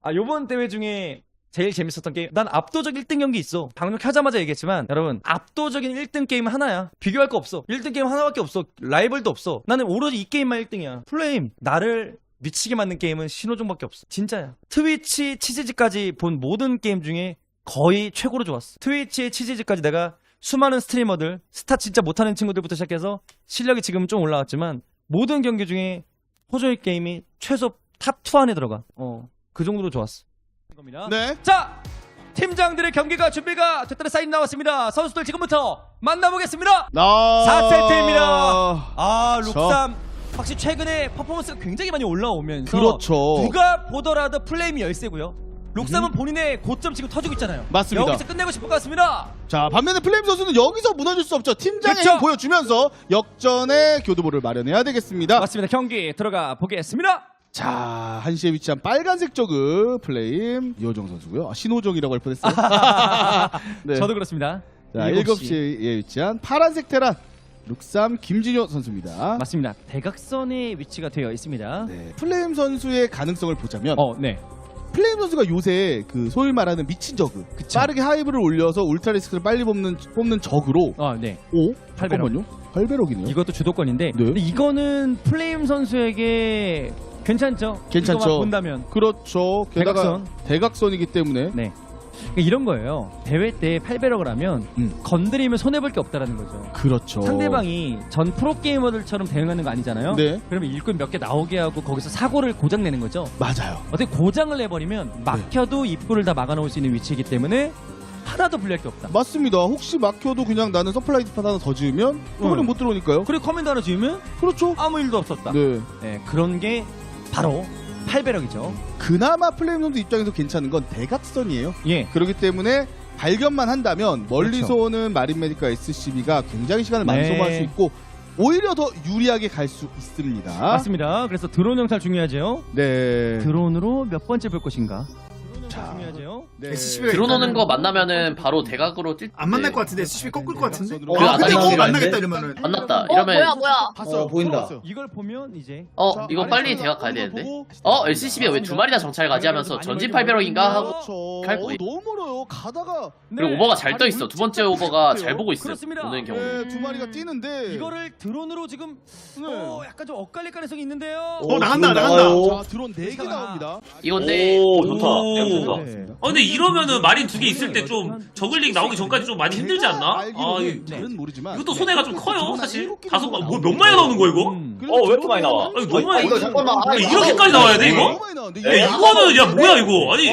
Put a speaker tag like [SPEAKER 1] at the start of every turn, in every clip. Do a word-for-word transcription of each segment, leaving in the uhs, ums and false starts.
[SPEAKER 1] 아, 요번 대회 중에 제일 재밌었던 게임, 난 압도적 일 등 경기 있어. 방금 켜자마자 얘기했지만 여러분, 압도적인 일 등 게임은 하나야. 비교할 거 없어. 일 등 게임 하나밖에 없어. 라이벌도 없어. 나는 오로지 이 게임만 일 등이야. 플레임, 나를 미치게 만든 게임은 신호종밖에 없어. 진짜야. 트위치 치즈즈까지 본 모든 게임 중에 거의 최고로 좋았어. 트위치의 치즈즈까지 내가 수많은 스트리머들, 스타 진짜 못하는 친구들부터 시작해서 실력이 지금 좀 올라왔지만 모든 경기 중에 호조이 게임이 최소 탑 투 안에 들어가. 어, 그 정도로 좋았어. 겁니다.
[SPEAKER 2] 네.
[SPEAKER 1] 자, 팀장들의 경기가 준비가 됐다는 사인 나왔습니다. 선수들 지금부터 만나보겠습니다.
[SPEAKER 2] 아...
[SPEAKER 1] 사 세트입니다. 아, 룩삼 확실히 최근에 퍼포먼스가 굉장히 많이 올라오면서
[SPEAKER 2] 그렇죠.
[SPEAKER 1] 누가 보더라도 플레임이 열세고요. 룩삼은 음. 본인의 고점 지금 터지고 있잖아요.
[SPEAKER 2] 맞습니다.
[SPEAKER 1] 여기서 끝내고 싶을 것 같습니다.
[SPEAKER 2] 자, 반면에 플레임 선수는 여기서 무너질 수 없죠. 팀장의
[SPEAKER 1] 그쵸?
[SPEAKER 2] 힘 보여주면서 역전의 교두보를 마련해야 되겠습니다.
[SPEAKER 1] 맞습니다. 경기 들어가 보겠습니다.
[SPEAKER 2] 자, 한시에 위치한 빨간색 저그 플레임 이호정 선수고요. 아, 신호정이라고 할 뻔했어요. 네.
[SPEAKER 1] 저도 그렇습니다.
[SPEAKER 2] 자, 일곱 시에 위치한 파란색 테란 룩삼 김진효 선수입니다.
[SPEAKER 1] 맞습니다. 대각선에 위치가 되어 있습니다.
[SPEAKER 2] 네. 플레임 선수의 가능성을 보자면
[SPEAKER 1] 어, 네.
[SPEAKER 2] 플레임 선수가 요새 그 소위 말하는 미친 저그,
[SPEAKER 1] 그쵸.
[SPEAKER 2] 빠르게 하이브를 올려서 울트라 리스크를 빨리 뽑는 뽑는 저그로
[SPEAKER 1] 어, 네.
[SPEAKER 2] 오?
[SPEAKER 1] 팔 배럭.
[SPEAKER 2] 잠깐만요. 팔 배럭이네요.
[SPEAKER 1] 이것도 주도권인데
[SPEAKER 2] 네.
[SPEAKER 1] 근데 이거는 플레임 선수에게 괜찮죠?
[SPEAKER 2] 괜찮죠.
[SPEAKER 1] 이거만 본다면.
[SPEAKER 2] 그렇죠. 게다가
[SPEAKER 1] 대각선.
[SPEAKER 2] 대각선이기 때문에
[SPEAKER 1] 네. 그러니까 이런 거예요. 대회 때 팔 배럭을 하면
[SPEAKER 2] 음.
[SPEAKER 1] 건드리면 손해볼 게 없다라는 거죠.
[SPEAKER 2] 그렇죠.
[SPEAKER 1] 상대방이 전 프로게이머들처럼 대응하는 거 아니잖아요.
[SPEAKER 2] 네.
[SPEAKER 1] 그러면 일꾼 몇 개 나오게 하고 거기서 사고를 고장 내는 거죠.
[SPEAKER 2] 맞아요.
[SPEAKER 1] 어떻게 고장을 내버리면 막혀도 입구를 다 막아놓을 수 있는 위치이기 때문에 하나도 불리할 게 없다.
[SPEAKER 2] 맞습니다. 혹시 막혀도 그냥 나는 서플라이 디팟 하나 더 지으면 소문이
[SPEAKER 1] 응.
[SPEAKER 2] 못 들어오니까요.
[SPEAKER 1] 그리고 커맨드 하나 지으면
[SPEAKER 2] 그렇죠.
[SPEAKER 1] 아무 일도 없었다.
[SPEAKER 2] 네.
[SPEAKER 1] 네, 그런 게 바로 팔 배럭이죠.
[SPEAKER 2] 그나마 플레임 선수 입장에서 괜찮은 건 대각선이에요.
[SPEAKER 1] 예.
[SPEAKER 2] 그렇기 때문에 발견만 한다면 멀리서
[SPEAKER 1] 그렇죠.
[SPEAKER 2] 오는 마린 메디카 에스씨비가 굉장히 시간을 많이
[SPEAKER 1] 네.
[SPEAKER 2] 소모할 수 있고 오히려 더 유리하게 갈 수 있습니다.
[SPEAKER 1] 맞습니다. 그래서 드론 영탈 중요하죠.
[SPEAKER 2] 네.
[SPEAKER 1] 드론으로 몇 번째 볼 것인가? 드론
[SPEAKER 2] 자.
[SPEAKER 1] 영탈 중요하죠.
[SPEAKER 2] 네.
[SPEAKER 3] 에스씨비가
[SPEAKER 4] 드론 오는 거
[SPEAKER 3] 일단은-
[SPEAKER 4] 만나면은 바로 대각으로 뛸.
[SPEAKER 3] 안 만날 것 같은데 에스씨비 꺾을 것 같은데?
[SPEAKER 2] 그
[SPEAKER 3] 어,
[SPEAKER 4] 안
[SPEAKER 3] 근데
[SPEAKER 4] 만나긴
[SPEAKER 3] 어
[SPEAKER 4] 하는데?
[SPEAKER 3] 만나겠다 이러면은
[SPEAKER 4] 만났다.
[SPEAKER 5] 어,
[SPEAKER 4] 이러면
[SPEAKER 5] 뭐야 뭐야.
[SPEAKER 2] 봤어요.
[SPEAKER 3] 어, 보인다.
[SPEAKER 2] 들어갔어요.
[SPEAKER 1] 이걸 보면 이제
[SPEAKER 4] 어
[SPEAKER 2] 자,
[SPEAKER 4] 이거 빨리
[SPEAKER 2] 아래쪽에서
[SPEAKER 4] 대각 가야
[SPEAKER 2] 오는 거
[SPEAKER 4] 되는데.
[SPEAKER 2] 보고
[SPEAKER 4] 어 엘씨씨비가 왜 두 마리나 정찰 가지 하면서 전진 팔배럭인가 하고.
[SPEAKER 2] 그렇죠.
[SPEAKER 4] 갈
[SPEAKER 2] 어,
[SPEAKER 4] 거예요.
[SPEAKER 2] 너무 멀어요. 가다가
[SPEAKER 4] 그리고
[SPEAKER 1] 네.
[SPEAKER 4] 오버가 잘 떠
[SPEAKER 1] 아니,
[SPEAKER 4] 있어. 두 번째 오버가 잘 보고 있어.
[SPEAKER 1] 그렇습니다.
[SPEAKER 4] 오는 경우.
[SPEAKER 2] 네, 두 마리가 뛰는데
[SPEAKER 1] 이거를 드론으로 지금
[SPEAKER 2] 네.
[SPEAKER 1] 어, 약간 좀 엇갈릴 가능성이 있는데요.
[SPEAKER 3] 어 나간다 나간다
[SPEAKER 2] 자, 드론 네 개
[SPEAKER 1] 괜찮아.
[SPEAKER 2] 나옵니다.
[SPEAKER 4] 이건데.
[SPEAKER 6] 오, 좋다.
[SPEAKER 4] 오.
[SPEAKER 6] 야, 좋다.
[SPEAKER 2] 네.
[SPEAKER 6] 아 근데 이러면은 마린 두 개 있을 때 좀 저글링 나오기 전까지 좀 많이 힘들지
[SPEAKER 2] 제가
[SPEAKER 6] 않나? 아
[SPEAKER 2] 알기로는
[SPEAKER 6] 이-
[SPEAKER 2] 잘은 모르지만
[SPEAKER 6] 이것도 손해가 좀 커요
[SPEAKER 2] 드론 한
[SPEAKER 6] 사실.
[SPEAKER 2] 일곱 개
[SPEAKER 6] 다섯
[SPEAKER 2] 정도
[SPEAKER 6] 번, 뭐
[SPEAKER 2] 나오는데.
[SPEAKER 6] 몇 마리 나오는 거야 이거?
[SPEAKER 1] 음.
[SPEAKER 2] 그래서
[SPEAKER 6] 어, 왜 이렇게 많이
[SPEAKER 2] 드론은
[SPEAKER 6] 나와?
[SPEAKER 2] 한
[SPEAKER 6] 아니, 너무 많이
[SPEAKER 2] 이거
[SPEAKER 5] 잠깐만.
[SPEAKER 2] 아,
[SPEAKER 6] 아, 이렇게까지 나와야 돼, 이거?
[SPEAKER 2] 너무 많이 나오는데
[SPEAKER 6] 야 이거는 야 뭐야 이거? 아니 야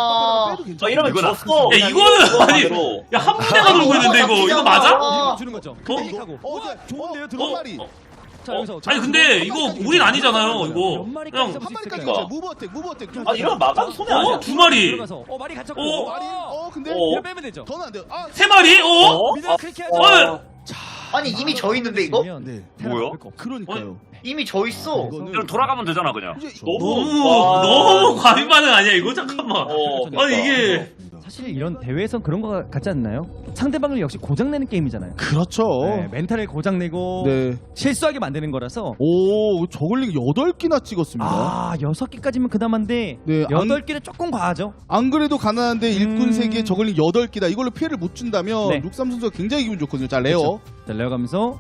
[SPEAKER 5] 와.
[SPEAKER 6] 아, 이러면 졌어. 이거는 아니 야 한 부대가 돌고 있는데 이거 이거 맞아?
[SPEAKER 1] 이거 주는 거죠.
[SPEAKER 6] 어?
[SPEAKER 1] 클릭하고.
[SPEAKER 2] 어, 어,
[SPEAKER 1] 좋은데요,
[SPEAKER 2] 어,
[SPEAKER 1] 드론
[SPEAKER 2] 한 마리.
[SPEAKER 6] 어?
[SPEAKER 1] 자, 여기서
[SPEAKER 6] 아니 근데 이거 우린 아니잖아요 이거.
[SPEAKER 1] 몇 마리까지
[SPEAKER 6] 그냥
[SPEAKER 1] 잡을
[SPEAKER 2] 한
[SPEAKER 1] 수
[SPEAKER 2] 마리까지
[SPEAKER 1] 있을까요?
[SPEAKER 2] 있죠. 무브 어택, 무브 어택.
[SPEAKER 6] 아 이러면 막아도 손해 아니야? 어? 두 마리.
[SPEAKER 1] 들어가서 어, 말이 갇혔고.
[SPEAKER 6] 어?
[SPEAKER 2] 마리. 어, 근데
[SPEAKER 6] 어?
[SPEAKER 1] 이거 빼면 되죠.
[SPEAKER 2] 더는 안 돼요. 아,
[SPEAKER 6] 세 마리? 어?
[SPEAKER 1] 미드 클릭해야죠.
[SPEAKER 6] 어?
[SPEAKER 5] 아니 이미 져 있는데 이거?
[SPEAKER 2] 네.
[SPEAKER 6] 뭐야?
[SPEAKER 2] 그러니까요.
[SPEAKER 5] 이미 져 있어.
[SPEAKER 2] 이거는
[SPEAKER 6] 그럼 돌아가면 되잖아 그냥.
[SPEAKER 2] 이제
[SPEAKER 6] 너무
[SPEAKER 2] 와.
[SPEAKER 6] 너무 과민 반응 아니야 이거 잠깐만. 아니 이게
[SPEAKER 1] 사실 이런 대회에선 그런 거 같지 않나요? 상대방을 역시 고장내는 게임이잖아요.
[SPEAKER 2] 그렇죠.
[SPEAKER 1] 네, 멘탈을 고장내고
[SPEAKER 2] 네.
[SPEAKER 1] 실수하게 만드는 거라서
[SPEAKER 2] 오, 저글링 여덟 개나 찍었습니다.
[SPEAKER 1] 아 여섯 개까지면 그나마인데
[SPEAKER 2] 네, 안-
[SPEAKER 1] 여덟 개는 조금 과하죠.
[SPEAKER 2] 안 그래도 가난한데 일꾼
[SPEAKER 1] 음.
[SPEAKER 2] 세 개, 저글링 여덟 개다. 이걸로 피해를 못 준다면
[SPEAKER 1] 네.
[SPEAKER 2] 룩삼 선수가 굉장히 기분 좋거든요. 자, 레어.
[SPEAKER 1] 그렇죠. 자 레어가면서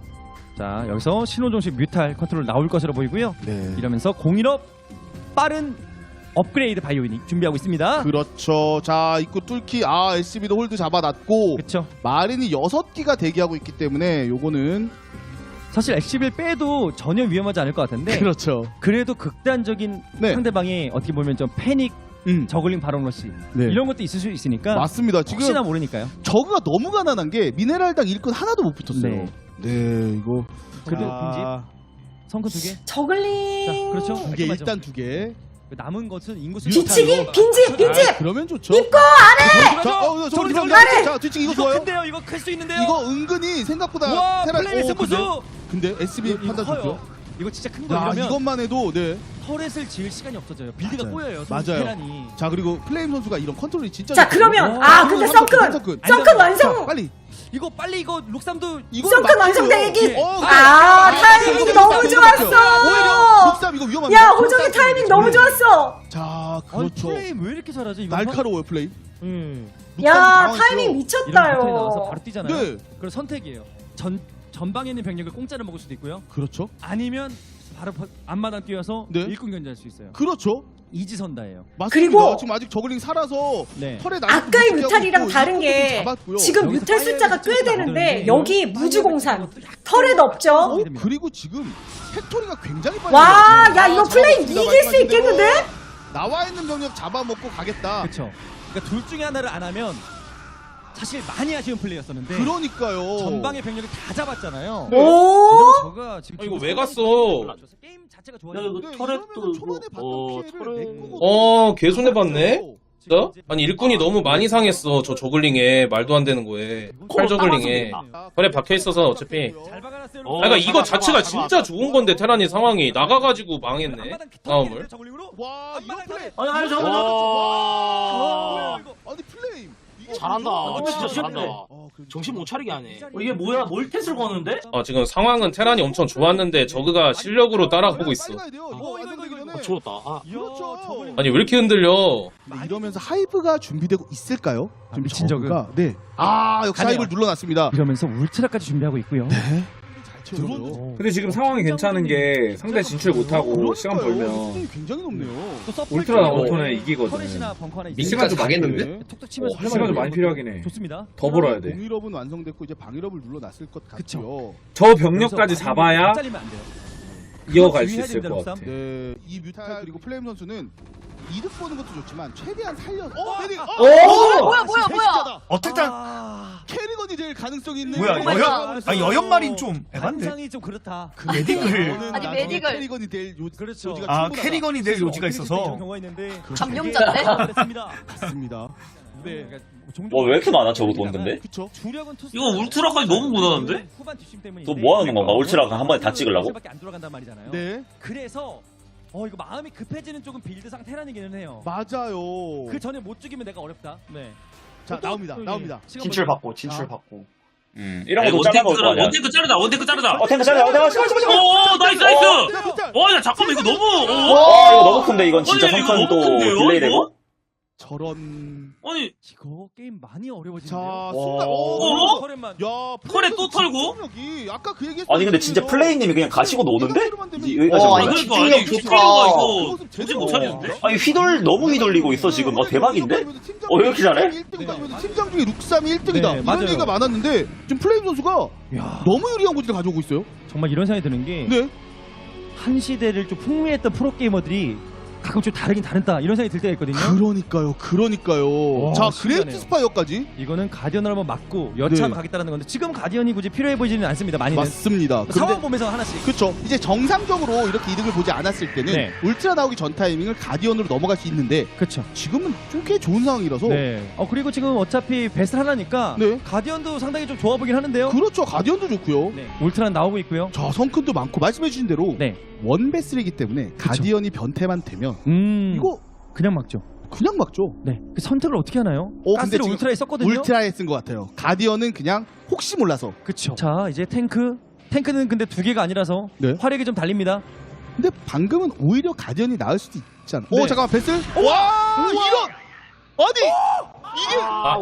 [SPEAKER 1] 자 여기서 신호종식 뮤탈 컨트롤 나올 것으로 보이고요.
[SPEAKER 2] 네.
[SPEAKER 1] 이러면서 공일업 빠른 업그레이드 바이오닉 준비하고 있습니다.
[SPEAKER 2] 그렇죠. 자, 입구 뚫기. 아, 에스씨비도 홀드 잡아놨고
[SPEAKER 1] 그렇죠.
[SPEAKER 2] 마린이 여섯 기가 대기하고 있기 때문에 요거는
[SPEAKER 1] 사실 엑시빌 빼도 전혀 위험하지 않을 것 같은데
[SPEAKER 2] 그렇죠.
[SPEAKER 1] 그래도 극단적인
[SPEAKER 2] 네.
[SPEAKER 1] 상대방이 어떻게 보면 좀 패닉
[SPEAKER 2] 음.
[SPEAKER 1] 저글링 바론 러시
[SPEAKER 2] 네.
[SPEAKER 1] 이런 것도 있을 수 있으니까
[SPEAKER 2] 맞습니다. 지금
[SPEAKER 1] 혹시나 모르니까요.
[SPEAKER 2] 저그가 너무 가난한 게 미네랄당 일꾼 하나도 못 붙었어요.
[SPEAKER 1] 네.
[SPEAKER 2] 네, 이거
[SPEAKER 1] 그래도
[SPEAKER 2] 자,
[SPEAKER 1] 성큰 두 개.
[SPEAKER 7] 저글링.
[SPEAKER 1] 자, 그렇죠.
[SPEAKER 2] 두 개,
[SPEAKER 1] 깔끔하죠.
[SPEAKER 2] 일단 두 개.
[SPEAKER 1] 남은 것은 인구수
[SPEAKER 7] 뒤치기 빈집 빈집.
[SPEAKER 2] 아, 그러면 좋죠.
[SPEAKER 7] 입고 아래.
[SPEAKER 2] 자, 어, 저
[SPEAKER 1] 저리,
[SPEAKER 2] 저리
[SPEAKER 1] 저리,
[SPEAKER 2] 저리. 자, 뒤치기 이거
[SPEAKER 1] 이거
[SPEAKER 2] 좋아요.
[SPEAKER 1] 큰데요. 이거 클 수 있는데요.
[SPEAKER 2] 이거 은근히 생각보다
[SPEAKER 1] 와
[SPEAKER 2] 테라-
[SPEAKER 1] 플레이
[SPEAKER 2] 오,
[SPEAKER 1] 승부수.
[SPEAKER 2] 근데, 근데 에스비
[SPEAKER 1] 이거
[SPEAKER 2] 판단
[SPEAKER 1] 커요.
[SPEAKER 2] 좋죠.
[SPEAKER 1] 이거 진짜 큰 거
[SPEAKER 2] 야,
[SPEAKER 1] 이러면
[SPEAKER 2] 이것만 해도 네.
[SPEAKER 1] 터렛을 지을 시간이 없어져요. 빌드가
[SPEAKER 2] 맞아요.
[SPEAKER 1] 꼬여요.
[SPEAKER 2] 맞아요.
[SPEAKER 1] 테란이.
[SPEAKER 2] 자, 그리고 플레임 선수가 이런 컨트롤이 진짜
[SPEAKER 7] 자
[SPEAKER 2] 좋거든요.
[SPEAKER 7] 그러면
[SPEAKER 1] 어,
[SPEAKER 7] 아 근데 썬큰
[SPEAKER 2] 썬큰.
[SPEAKER 7] 썬큰 완성.
[SPEAKER 2] 자, 빨리.
[SPEAKER 1] 이거 빨리 이거 룩삼도
[SPEAKER 2] 이걸
[SPEAKER 7] 썬큰
[SPEAKER 2] 막히고요.
[SPEAKER 7] 완성되기.
[SPEAKER 2] 어,
[SPEAKER 7] 아
[SPEAKER 2] 그래.
[SPEAKER 7] 타이밍이
[SPEAKER 2] 이거
[SPEAKER 7] 너무
[SPEAKER 2] 막혀요.
[SPEAKER 7] 좋았어.
[SPEAKER 2] 오히려 룩삼 이거 위험합니다.
[SPEAKER 7] 야 호정이 타이밍 너무 좋았어.
[SPEAKER 2] 자, 아
[SPEAKER 1] 아니
[SPEAKER 2] 그렇죠.
[SPEAKER 1] 플레이 왜 이렇게 잘하지? 이거
[SPEAKER 2] 날카로워요 플레이.
[SPEAKER 1] 음.
[SPEAKER 7] 야
[SPEAKER 2] 당황했어요.
[SPEAKER 7] 타이밍
[SPEAKER 1] 이런
[SPEAKER 7] 미쳤다요.
[SPEAKER 1] 패턴이 나와서 바로 뛰잖아요.
[SPEAKER 2] 네.
[SPEAKER 1] 그럼 선택이에요. 전 전방에 있는 병력을 공짜로 먹을 수도 있고요.
[SPEAKER 2] 그렇죠.
[SPEAKER 1] 아니면 바로 바- 앞마당 뛰어서
[SPEAKER 2] 네.
[SPEAKER 1] 일꾼 견제할 수 있어요.
[SPEAKER 2] 그렇죠.
[SPEAKER 1] 이지선다예요.
[SPEAKER 2] 맞습니다.
[SPEAKER 7] 그리고
[SPEAKER 2] 지금 아직 저글링 살아서
[SPEAKER 1] 네.
[SPEAKER 2] 털에 나.
[SPEAKER 7] 아까의 뮤탈이랑 다른 게 지금
[SPEAKER 1] 여기서
[SPEAKER 7] 뮤탈 숫자가 꽤
[SPEAKER 1] 파이어를
[SPEAKER 7] 되는데
[SPEAKER 1] 만드는데
[SPEAKER 7] 여기
[SPEAKER 1] 파이어를
[SPEAKER 7] 무주공산
[SPEAKER 1] 만드는 것도 약간
[SPEAKER 7] 털에 넣죠.
[SPEAKER 2] 어? 그리고 지금 팩토리가 굉장히 빨리.
[SPEAKER 7] 와,
[SPEAKER 2] 나왔어요.
[SPEAKER 7] 야 이거
[SPEAKER 2] 아,
[SPEAKER 7] 플레이
[SPEAKER 2] 잡았습니다.
[SPEAKER 7] 이길 수
[SPEAKER 2] 말씀하신 대로
[SPEAKER 7] 있겠는데?
[SPEAKER 2] 나와 있는 병력 잡아먹고 가겠다.
[SPEAKER 1] 그렇죠. 그러니까 둘 중에 하나를 안 하면 사실 많이 아쉬운 플레이였었는데
[SPEAKER 2] 그러니까요.
[SPEAKER 1] 전방의 병력을 다 잡았잖아요.
[SPEAKER 7] 오.
[SPEAKER 1] 이러면 저가 지금
[SPEAKER 6] 아, 이거
[SPEAKER 1] 기분
[SPEAKER 6] 왜 갔어?
[SPEAKER 1] 올라줘서 게임 자체가
[SPEAKER 6] 야,
[SPEAKER 1] 좋아요.
[SPEAKER 6] 이거
[SPEAKER 2] 네,
[SPEAKER 6] 터렛도
[SPEAKER 2] 이러면은 초반에
[SPEAKER 6] 뭐-
[SPEAKER 2] 봤던
[SPEAKER 6] 어,
[SPEAKER 2] 피해를
[SPEAKER 6] 터렛-
[SPEAKER 2] 메꾸고
[SPEAKER 6] 어, 개 손해봤네?
[SPEAKER 1] 지금
[SPEAKER 6] 진짜?
[SPEAKER 1] 이제
[SPEAKER 6] 아니 일꾼이 너무 많이 상했어 저 저글링에 말도 안 되는 거에 칼 저글링에 털에 박혀있어서 어차피
[SPEAKER 1] 잘 박아놨어요.
[SPEAKER 6] 아 그러니까 이거 자체가 진짜 좋은 건데 테란이 상황이 나가가지고 망했네 싸움을
[SPEAKER 2] 와 이런 플레이.
[SPEAKER 8] 아니 아니 저거
[SPEAKER 2] 와.
[SPEAKER 8] 저거
[SPEAKER 2] 아니 플레임. 이거
[SPEAKER 8] 잘한다.
[SPEAKER 2] 와,
[SPEAKER 8] 진짜 잘한다.
[SPEAKER 2] 어, 그래도
[SPEAKER 8] 정신 못 차리게 하네. 어, 이게 뭐야? 몰텟을 거는데?
[SPEAKER 6] 아 지금 상황은 테란이 엄청 좋았는데 저그가 실력으로 따라가고 있어
[SPEAKER 2] 빨리 가야 돼요. 이거
[SPEAKER 1] 어, 이거,
[SPEAKER 2] 완성되기
[SPEAKER 1] 이거,
[SPEAKER 2] 전에.
[SPEAKER 8] 어, 죽었다. 아.
[SPEAKER 2] 그렇죠.
[SPEAKER 6] 아니 왜 이렇게 흔들려
[SPEAKER 2] 근데 이러면서 하이브가 준비되고 있을까요?
[SPEAKER 1] 아,
[SPEAKER 2] 지금
[SPEAKER 1] 미친
[SPEAKER 2] 저그가 네. 아 역시
[SPEAKER 1] 가네요.
[SPEAKER 2] 하이브를 눌러놨습니다.
[SPEAKER 1] 이러면서 울트라까지 준비하고 있고요.
[SPEAKER 2] 잘 채워줘요.
[SPEAKER 9] 근데 지금 상황이 괜찮은 게 상대 진출 못하고 시간 벌면
[SPEAKER 2] 수준이 굉장히 높네요.
[SPEAKER 1] 또 서플
[SPEAKER 9] 울트라
[SPEAKER 1] 쪽으로
[SPEAKER 9] 오토는 이기거든.
[SPEAKER 1] 터렛이나 벙커 하나
[SPEAKER 9] 시간 좀 많이
[SPEAKER 6] 가겠는데?
[SPEAKER 9] 필요해.
[SPEAKER 1] 툭툭 치면서
[SPEAKER 9] 할 시간 좀 많이 필요하긴 해.
[SPEAKER 1] 좋습니다.
[SPEAKER 9] 더 벌어야 돼.
[SPEAKER 2] 공일업은 완성됐고 이제 방일업을 눌러놨을 것 같고요.
[SPEAKER 9] 저 병력까지
[SPEAKER 1] 그래서
[SPEAKER 9] 잡아야
[SPEAKER 1] 많이 잘리면 안 돼요.
[SPEAKER 9] 이어갈 수
[SPEAKER 1] 주의해야
[SPEAKER 9] 있을
[SPEAKER 1] 됩니다,
[SPEAKER 9] 것 같아.
[SPEAKER 2] 네, 이 뮤탈 그리고 플레임 선수는 이득 보는 것도 좋지만 최대한 살려. 어, 메딕. 어,
[SPEAKER 7] 오! 뭐야, 뭐야, 뭐야?
[SPEAKER 3] 어택당
[SPEAKER 1] 아,
[SPEAKER 2] 캐리건이 제일 가능성이 있는.
[SPEAKER 3] 뭐야,
[SPEAKER 2] 메딕을
[SPEAKER 3] 여연-
[SPEAKER 2] 잡아버렸어요.
[SPEAKER 3] 아 여연말인 좀 에반데.
[SPEAKER 1] 상상이 좀 그렇다.
[SPEAKER 3] 그 메딕을
[SPEAKER 2] 저는
[SPEAKER 7] 아니,
[SPEAKER 2] 나중에
[SPEAKER 7] 메딕을.
[SPEAKER 2] 캐리건이 될 요,
[SPEAKER 1] 그렇죠.
[SPEAKER 2] 요지가
[SPEAKER 3] 아
[SPEAKER 2] 충분하다.
[SPEAKER 3] 캐리건이 될 요지가
[SPEAKER 1] 이런
[SPEAKER 3] 있어서
[SPEAKER 1] 경우가 있는데
[SPEAKER 7] 감염자인데?
[SPEAKER 1] 됐습니다.
[SPEAKER 2] 맞습니다. 네,
[SPEAKER 1] 뭐
[SPEAKER 10] 왜 이렇게 많아, 저거 돈 근데?
[SPEAKER 2] 그쵸.
[SPEAKER 1] 주력은 투수.
[SPEAKER 8] 이거 울트라까지 너무 무난한데?
[SPEAKER 1] 후반 뒷심 때문에
[SPEAKER 10] 또 뭐 하는 건가? 울트라가 한 번에 다 찍으려고?
[SPEAKER 1] 밖에 안 돌아간단 말이잖아요.
[SPEAKER 2] 네,
[SPEAKER 1] 그래서 어 이거 마음이 급해지는 쪽은 빌드상 테란이기는 해요.
[SPEAKER 2] 맞아요.
[SPEAKER 1] 그 전에 못 죽이면 내가 어렵다. 네.
[SPEAKER 2] 자,
[SPEAKER 1] 또-
[SPEAKER 2] 나옵니다.
[SPEAKER 1] 또, 예.
[SPEAKER 2] 나옵니다.
[SPEAKER 1] 시간
[SPEAKER 5] 진출
[SPEAKER 1] 벌-
[SPEAKER 5] 받고 진출
[SPEAKER 2] 아.
[SPEAKER 5] 받고.
[SPEAKER 10] 음, 이런 거도 짜는 거
[SPEAKER 8] 원테크
[SPEAKER 10] 아니야?
[SPEAKER 8] 원테크 자르다. 원테크 자르다.
[SPEAKER 10] 어, 탱크 짜자. 어, 내가 잠깐 잠깐 잠깐.
[SPEAKER 8] 오, 나이스 나이스.
[SPEAKER 2] 네, 뮤탈.
[SPEAKER 8] 와, 야 잠깐만 이거 너무. 어?
[SPEAKER 10] 와, 이거 너무 큰데 이건 진짜
[SPEAKER 8] 아니, 이거
[SPEAKER 10] 선판 또
[SPEAKER 8] 너무 큰데요,
[SPEAKER 10] 딜레이
[SPEAKER 8] 이거?
[SPEAKER 10] 되고.
[SPEAKER 2] 저런.
[SPEAKER 8] 아니
[SPEAKER 1] 이거 게임 많이 어려워지는데요.
[SPEAKER 2] 자, 순간.
[SPEAKER 8] 어?
[SPEAKER 2] 오,
[SPEAKER 1] 커렌만.
[SPEAKER 2] 야,
[SPEAKER 8] 컬에 또 털고?
[SPEAKER 2] 여기 아까 그 얘기.
[SPEAKER 10] 아니 근데 진짜 플레이님이 그냥 가시고 노는데? 이- 여기까지
[SPEAKER 5] 와,
[SPEAKER 10] 온
[SPEAKER 5] 이거
[SPEAKER 10] 거야?
[SPEAKER 5] 집중력
[SPEAKER 8] 아니,
[SPEAKER 5] 좋다.
[SPEAKER 8] 집중력가 이거 정신 못 차리는데?
[SPEAKER 10] 아니 휘돌 너무 휘돌리고 있어 지금. 어 대박인데? 어, 왜 이렇게 잘해?
[SPEAKER 2] 팀장 중에 룩삼이 일 등이다.
[SPEAKER 1] 네,
[SPEAKER 2] 이런
[SPEAKER 1] 맞아요.
[SPEAKER 2] 얘기가 많았는데 지금 플레임 선수가
[SPEAKER 1] 야,
[SPEAKER 2] 너무 유리한 고지를 가져오고 있어요.
[SPEAKER 1] 정말 이런 생각이 드는 게 한
[SPEAKER 2] 네.
[SPEAKER 1] 시대를 좀 풍미했던 프로 게이머들이 가끔 좀 다르긴 다르다 이런 생각이 들 때가 있거든요.
[SPEAKER 2] 그러니까요, 그러니까요.
[SPEAKER 1] 와,
[SPEAKER 2] 자,
[SPEAKER 1] 신기하네요.
[SPEAKER 2] 그레이트 스파이어까지
[SPEAKER 1] 이거는 가디언을 한번 맞고 여차하면
[SPEAKER 2] 네.
[SPEAKER 1] 가겠다는 건데 지금 가디언이 굳이 필요해 보이지는 않습니다. 많이는
[SPEAKER 2] 맞습니다.
[SPEAKER 1] 상황
[SPEAKER 2] 근데
[SPEAKER 1] 보면서 하나씩.
[SPEAKER 2] 그렇죠. 이제 정상적으로 이렇게 이득을 보지 않았을 때는
[SPEAKER 1] 네.
[SPEAKER 2] 울트라 나오기 전 타이밍을 가디언으로 넘어갈 수 있는데
[SPEAKER 1] 그렇죠.
[SPEAKER 2] 지금은 좀 꽤 좋은 상황이라서
[SPEAKER 1] 네. 어 그리고 지금 어차피 베스트 하나니까
[SPEAKER 2] 네.
[SPEAKER 1] 가디언도 상당히 좀 좋아 보긴 하는데요.
[SPEAKER 2] 그렇죠. 가디언도 좋고요.
[SPEAKER 1] 네. 울트라 나오고 있고요.
[SPEAKER 2] 자, 성큰도 많고 말씀해주신 대로
[SPEAKER 1] 네.
[SPEAKER 2] 원베슬이기 때문에 가디언이 변태만 되면
[SPEAKER 1] 음.
[SPEAKER 2] 이거
[SPEAKER 1] 그냥 막죠.
[SPEAKER 2] 그냥 막죠.
[SPEAKER 1] 네. 그 선택을 어떻게 하나요?
[SPEAKER 2] 어, 근데
[SPEAKER 1] 가스를
[SPEAKER 2] 지금
[SPEAKER 1] 울트라에 썼거든요.
[SPEAKER 2] 울트라에 쓴 것 같아요. 가디언은 그냥 혹시 몰라서.
[SPEAKER 1] 그쵸. 자 이제 탱크. 탱크는 근데 두 개가 아니라서
[SPEAKER 2] 네.
[SPEAKER 1] 화력이 좀 달립니다.
[SPEAKER 2] 근데 방금은 오히려 가디언이 나을 수도 있잖아.
[SPEAKER 1] 네.
[SPEAKER 2] 오, 잠깐만, 베슬. 와, 이런. 아니, 이게
[SPEAKER 8] 아,